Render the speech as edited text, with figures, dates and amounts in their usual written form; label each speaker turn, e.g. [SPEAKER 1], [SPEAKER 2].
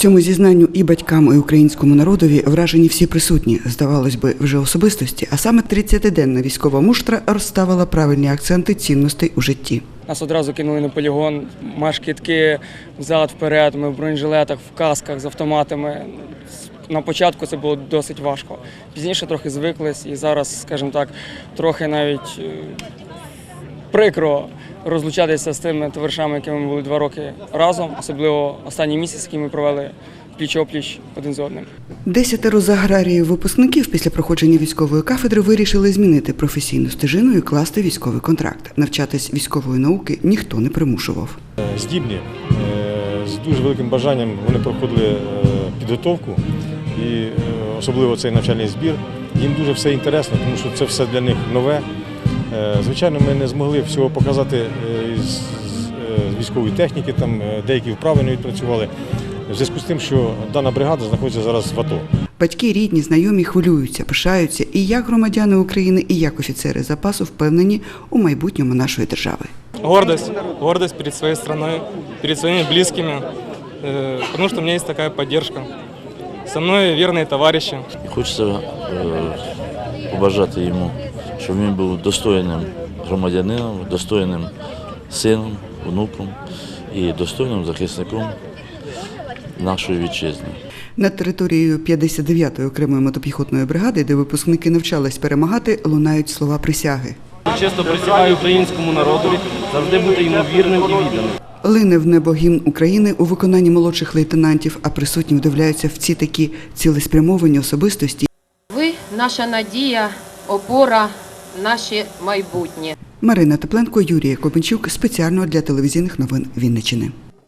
[SPEAKER 1] Цьому зізнанню і батькам, і українському народові вражені всі присутні, здавалось би, вже особистості, а саме 30-денна військова муштра розставила правильні акценти цінностей у житті.
[SPEAKER 2] Нас одразу кинули на полігон, марш-кидки, взад-вперед, ми в бронежилетах, в касках з автоматами. На початку це було досить важко. Пізніше трохи звиклись і зараз, скажімо так, трохи навіть прикро розлучатися з тими товаришами, якими ми були 2 роки разом, особливо останній місяць, який ми провели пліч-опліч один з одним.
[SPEAKER 1] 10 з аграріїв-випускників після проходження військової кафедри вирішили змінити професійну стежину і класти військовий контракт. Навчатись військової науки ніхто не примушував.
[SPEAKER 3] Здібні, з дуже великим бажанням вони проходили підготовку і особливо цей навчальний збір. Їм дуже все інтересно, тому що це все для них нове. Звичайно, ми не змогли всього показати з військової техніки, там деякі вправи не відпрацювали, в зв'язку з тим, що дана бригада знаходиться зараз в АТО.
[SPEAKER 1] Батьки, рідні, знайомі хвилюються, пишаються і як громадяни України, і як офіцери запасу впевнені у майбутньому нашої держави.
[SPEAKER 4] Гордость перед своей страной, перед своими близкими, потому что у меня есть такая поддержка. Со мной верные товарищи.
[SPEAKER 5] Хочеться побажати йому, щоб він був достойним громадянином, достойним сином, онуком і достойним захисником нашої вітчизни.
[SPEAKER 1] Над територією 59-ї окремої мотопіхотної бригади, де випускники навчались перемагати, лунають слова присяги.
[SPEAKER 6] Чесно присягаю українському народові завжди бути йому вірним і відданим.
[SPEAKER 1] Лине в небо гімн України у виконанні молодших лейтенантів, а присутні вдивляються в ці такі цілеспрямовані особистості.
[SPEAKER 7] Ви – наша надія, опора, наше майбутнє.
[SPEAKER 1] Марина Тепленко, Юрій Копенчук. Спеціально для телевізійних новин Вінниччини.